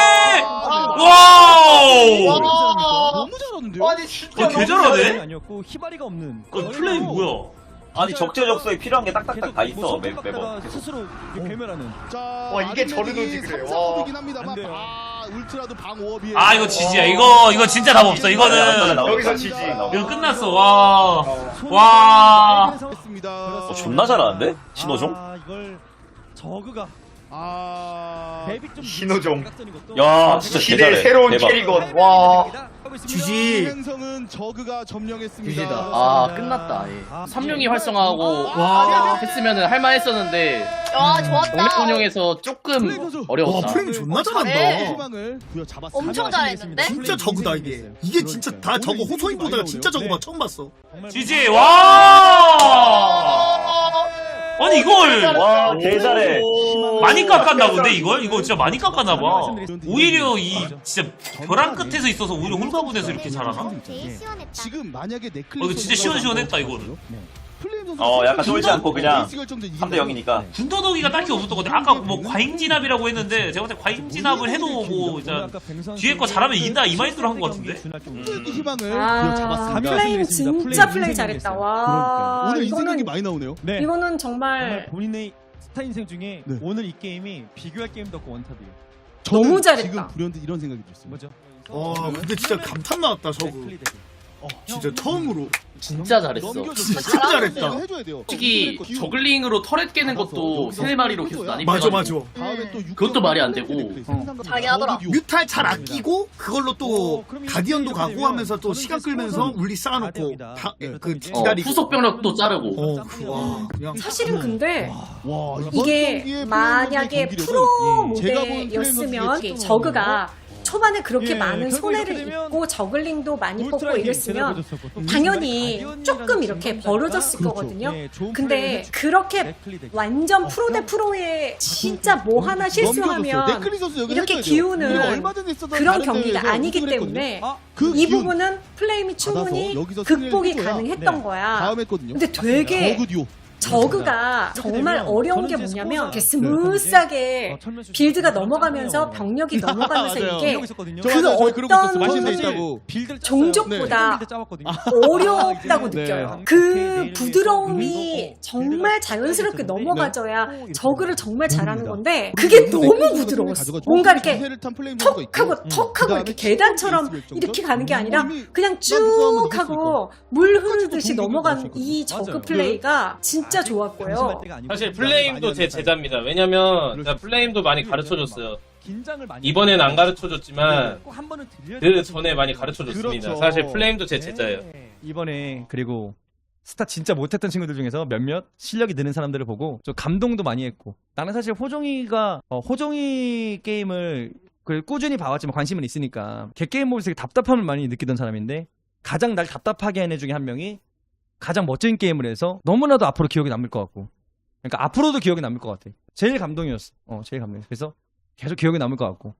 [SPEAKER 2] 와,
[SPEAKER 8] 와우!
[SPEAKER 2] 너무 잘하는데요.
[SPEAKER 3] 아니 진짜
[SPEAKER 8] 어, 개 잘하네?
[SPEAKER 1] 아니었고 히바리가 없는.
[SPEAKER 8] 그 플레이 뭐야?
[SPEAKER 10] 아니 적재적소에 필요한 게 딱딱딱 다 있어
[SPEAKER 1] 뭐
[SPEAKER 10] 매,
[SPEAKER 1] 손톱
[SPEAKER 10] 매번.
[SPEAKER 1] 깎다가 스스로 이렇게 괴멸하는.
[SPEAKER 2] 자,
[SPEAKER 3] 와, 이게 저르노지 그래. 와.
[SPEAKER 2] 이긴 합니다만
[SPEAKER 1] 안 돼요.
[SPEAKER 2] 아, 울트라도 방오업이에요.
[SPEAKER 8] 아 이거 지지야. 이거 이거 진짜 답 없어. 이거는
[SPEAKER 3] 여기서 지지.
[SPEAKER 8] 이거 끝났어. 와. 와.
[SPEAKER 2] 했습니다.
[SPEAKER 10] 어, 존나 잘하는데 신호종?
[SPEAKER 1] 아 이걸 저그가
[SPEAKER 2] 아,
[SPEAKER 1] 데뷔 좀
[SPEAKER 3] 신호종.
[SPEAKER 1] 각전인 것도.
[SPEAKER 10] 야 진짜
[SPEAKER 3] 시대
[SPEAKER 10] 개잘해.
[SPEAKER 3] 새로운
[SPEAKER 10] 대박.
[SPEAKER 3] 캐리건. 와.
[SPEAKER 2] 지지. 행성은 저그가 점령했습니다.
[SPEAKER 5] 지지다.
[SPEAKER 4] 아 끝났다. 예.
[SPEAKER 1] 아,
[SPEAKER 4] 삼룡이 활성화하고
[SPEAKER 3] 와.
[SPEAKER 4] 했으면은 할만했었는데
[SPEAKER 7] 와 좋았다.
[SPEAKER 4] 병력 운영에서 조금
[SPEAKER 3] 와
[SPEAKER 4] 어려웠다.
[SPEAKER 3] 프레임 존나
[SPEAKER 7] 잘해.
[SPEAKER 3] 잘한다.
[SPEAKER 2] 희망을 부여잡았습니다.
[SPEAKER 7] 엄청 잘했는데?
[SPEAKER 3] 진짜 저그다 이게. 이게 진짜 다 저거 호소인 보다가 진짜 저거 봐 처음 봤어.
[SPEAKER 8] 지지. 와. 아니 이걸
[SPEAKER 10] 와 개잘해.
[SPEAKER 8] 많이 깎았나 본데 이걸? 이거 진짜 많이 깎았나 봐. 오히려 이 진짜 벼랑 끝에서 있어서 오히려 홀가분해서 이렇게 잘하나?
[SPEAKER 2] 지금 만약에 넥클리스
[SPEAKER 8] 어, 이거 진짜 시원시원했다, 이거는.
[SPEAKER 2] 플레임 선수
[SPEAKER 10] 어 약간 쫄지 않고 그냥
[SPEAKER 2] 에이스 결정전 이긴
[SPEAKER 10] 삼 대 영이니까.
[SPEAKER 8] 군더더기가 딱히 없었던 것 같아. 아까 뭐 과잉진압이라고 했는데 제가 볼 때 과잉진압을 해도 뭐 진짜 뒤에 거 잘하면 이긴다 이 마인드로 한 것 같은데.
[SPEAKER 2] 거의 희망을
[SPEAKER 11] 아,
[SPEAKER 2] 부여잡았습니다.
[SPEAKER 11] 플레임 진짜 플레이
[SPEAKER 1] 인생
[SPEAKER 11] 잘했다.
[SPEAKER 1] 인생
[SPEAKER 11] 와,
[SPEAKER 2] 오늘 이 생각이
[SPEAKER 11] 이거는
[SPEAKER 2] 많이 나오네요.
[SPEAKER 1] 네.
[SPEAKER 11] 이거는
[SPEAKER 1] 정말
[SPEAKER 11] 정말
[SPEAKER 1] 본인의 스타 인생 중에
[SPEAKER 2] 네.
[SPEAKER 1] 오늘 이 게임이 비교할 게임도 없고 원탑이에요.
[SPEAKER 2] 저는
[SPEAKER 11] 너무 잘했다.
[SPEAKER 2] 지금 불현듯 이런 생각이 들었어요.
[SPEAKER 1] 뭐죠?
[SPEAKER 3] 와 근데 진짜 감탄 나왔다 저거. 진짜 처음으로.
[SPEAKER 4] 진짜 잘했어.
[SPEAKER 3] 진짜 잘했다.
[SPEAKER 2] 해줘야 돼요.
[SPEAKER 4] 솔직히 저글링으로 터렛 깨는 것도 세네 마리로 계속
[SPEAKER 3] 맞아
[SPEAKER 4] 난입해가지고
[SPEAKER 3] 맞아.
[SPEAKER 2] 다음에 또
[SPEAKER 4] 그것도 말이 안 되고.
[SPEAKER 7] 잘하긴 하더라.
[SPEAKER 3] 뮤탈 잘 아끼고 그걸로 또 가디언도 가고 하면서 또 시간 끌면서 울리 쌓아놓고 다, 그
[SPEAKER 4] 어,
[SPEAKER 3] 기다리고.
[SPEAKER 4] 후속 병력도 자르고.
[SPEAKER 3] 어, 그, 와, 그냥
[SPEAKER 11] 사실은 근데
[SPEAKER 2] 와, 이번
[SPEAKER 11] 이게
[SPEAKER 2] 경기의
[SPEAKER 11] 만약에
[SPEAKER 2] 플레이
[SPEAKER 11] 프로
[SPEAKER 2] 경기력은 제가 본 플레이
[SPEAKER 11] 모델이었으면
[SPEAKER 2] 선수의
[SPEAKER 11] 저그가 초반에 그렇게
[SPEAKER 1] 예,
[SPEAKER 11] 많은
[SPEAKER 1] 결국
[SPEAKER 11] 손해를
[SPEAKER 1] 이렇게 되면
[SPEAKER 11] 입고 저글링도 많이 뽑고
[SPEAKER 1] 울트라
[SPEAKER 11] 이랬으면
[SPEAKER 1] 제대로 보여줬었고, 또
[SPEAKER 11] 당연히
[SPEAKER 1] 가디언이라는
[SPEAKER 11] 조금 이렇게
[SPEAKER 1] 진단자가
[SPEAKER 11] 벌어졌을
[SPEAKER 1] 그렇죠.
[SPEAKER 11] 거거든요.
[SPEAKER 1] 예, 좋은 플레이를
[SPEAKER 11] 근데
[SPEAKER 1] 해주고
[SPEAKER 11] 그렇게
[SPEAKER 1] 넷플리 되고.
[SPEAKER 11] 완전
[SPEAKER 1] 어,
[SPEAKER 11] 프로 대 프로의 진짜 뭐 하나 실수하면
[SPEAKER 2] 네클리 선수 여기
[SPEAKER 11] 이렇게
[SPEAKER 2] 해줘야죠.
[SPEAKER 11] 기우는
[SPEAKER 2] 우리가 얼마 전에 있었던
[SPEAKER 11] 그런
[SPEAKER 2] 다른
[SPEAKER 11] 경기가
[SPEAKER 2] 대회에서
[SPEAKER 11] 아니기
[SPEAKER 2] 우승을
[SPEAKER 11] 때문에
[SPEAKER 2] 했거든요. 그
[SPEAKER 11] 이
[SPEAKER 2] 기운
[SPEAKER 11] 부분은 플레임이 충분히
[SPEAKER 2] 받아서 여기서 승리를
[SPEAKER 11] 극복이
[SPEAKER 2] 해줘야
[SPEAKER 11] 가능했던
[SPEAKER 1] 네.
[SPEAKER 11] 거야.
[SPEAKER 2] 다음 했거든요.
[SPEAKER 11] 근데 되게
[SPEAKER 2] 저그 듀오.
[SPEAKER 11] 저그가
[SPEAKER 1] 이렇게
[SPEAKER 11] 정말
[SPEAKER 1] 되면
[SPEAKER 11] 어려운 게
[SPEAKER 1] 저는 이제
[SPEAKER 11] 뭐냐면 이렇게
[SPEAKER 1] 스포츠가
[SPEAKER 11] 스무스하게
[SPEAKER 1] 어, 천면수
[SPEAKER 11] 빌드가
[SPEAKER 1] 씨가
[SPEAKER 11] 넘어가면서
[SPEAKER 1] 짱짱해요.
[SPEAKER 11] 병력이 넘어가면서
[SPEAKER 2] 맞아요.
[SPEAKER 11] 이게
[SPEAKER 1] 이러고 있었거든요.
[SPEAKER 11] 그
[SPEAKER 2] 저 맞아요. 저희 그러고 있었어.
[SPEAKER 11] 어떤
[SPEAKER 2] 마신 데
[SPEAKER 1] 사실
[SPEAKER 2] 있다고.
[SPEAKER 1] 빌드를 짰어요.
[SPEAKER 11] 종족보다
[SPEAKER 1] 빌드 짜왔거든요.
[SPEAKER 11] 어렵다고
[SPEAKER 2] 네.
[SPEAKER 11] 느껴요.
[SPEAKER 1] 네.
[SPEAKER 11] 그
[SPEAKER 1] 내일
[SPEAKER 11] 부드러움이
[SPEAKER 1] 위해서
[SPEAKER 11] 정말 자연스럽게
[SPEAKER 1] 빌드가
[SPEAKER 11] 넘어가져야
[SPEAKER 1] 네.
[SPEAKER 11] 저그를 정말 잘하는
[SPEAKER 2] 모릅니다.
[SPEAKER 11] 건데 그게
[SPEAKER 2] 그리고
[SPEAKER 11] 너무
[SPEAKER 2] 네클리
[SPEAKER 11] 부드러웠어.
[SPEAKER 2] 가져가지고
[SPEAKER 11] 뭔가 이렇게
[SPEAKER 2] 기세를 탄 플레임 선수가 있고.
[SPEAKER 11] 턱하고 턱하고 이렇게 계단처럼 이렇게 가는 게 아니라 그냥 쭉 하고 물 흐르듯이 넘어간 이 저그
[SPEAKER 1] 맞아요.
[SPEAKER 11] 플레이가 진짜 좋았고요.
[SPEAKER 6] 사실 플레임도 제 제자입니다. 왜냐면 제가 플레임도 많이 가르쳐줬어요. 이번엔 안 가르쳐줬지만 그 전에 많이 가르쳐줬습니다.
[SPEAKER 2] 그렇죠.
[SPEAKER 6] 사실 플레임도 제 제자예요.
[SPEAKER 1] 이번에 그리고 스타 진짜 못했던 친구들 중에서 몇몇 실력이 느는 사람들을 보고 좀 감동도 많이 했고, 나는 사실 호종이가 어, 호종이 게임을 그 꾸준히 봐왔지만 관심은 있으니까 걔 게임 보면서 되게 답답함을 많이 느끼던 사람인데, 가장 날 답답하게 하는 애 중에 한 명이 가장 멋진 게임을 해서 너무나도 앞으로 기억에 남을 것 같고, 그러니까 앞으로도 기억에 남을 것 같아. 제일 감동이었어. 어, 제일 감동이었어. 그래서 계속 기억에 남을 것 같고.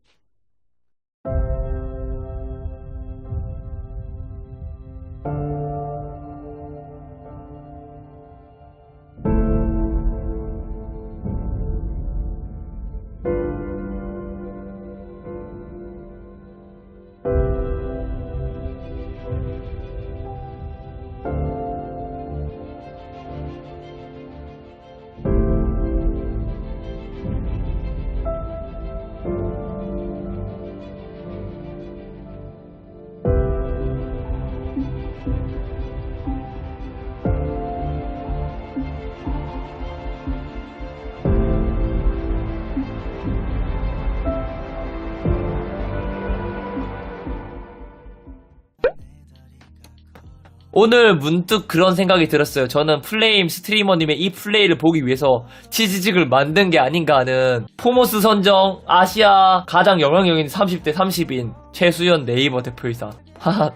[SPEAKER 12] 오늘 문득 그런 생각이 들었어요. 저는 플레임 스트리머님의 이 플레이를 보기 위해서 치즈직을 만든 게 아닌가 하는. 포모스 선정 아시아 가장 영향력 있는 삼십 대 삼십인 최수연 네이버 대표이사. 하하.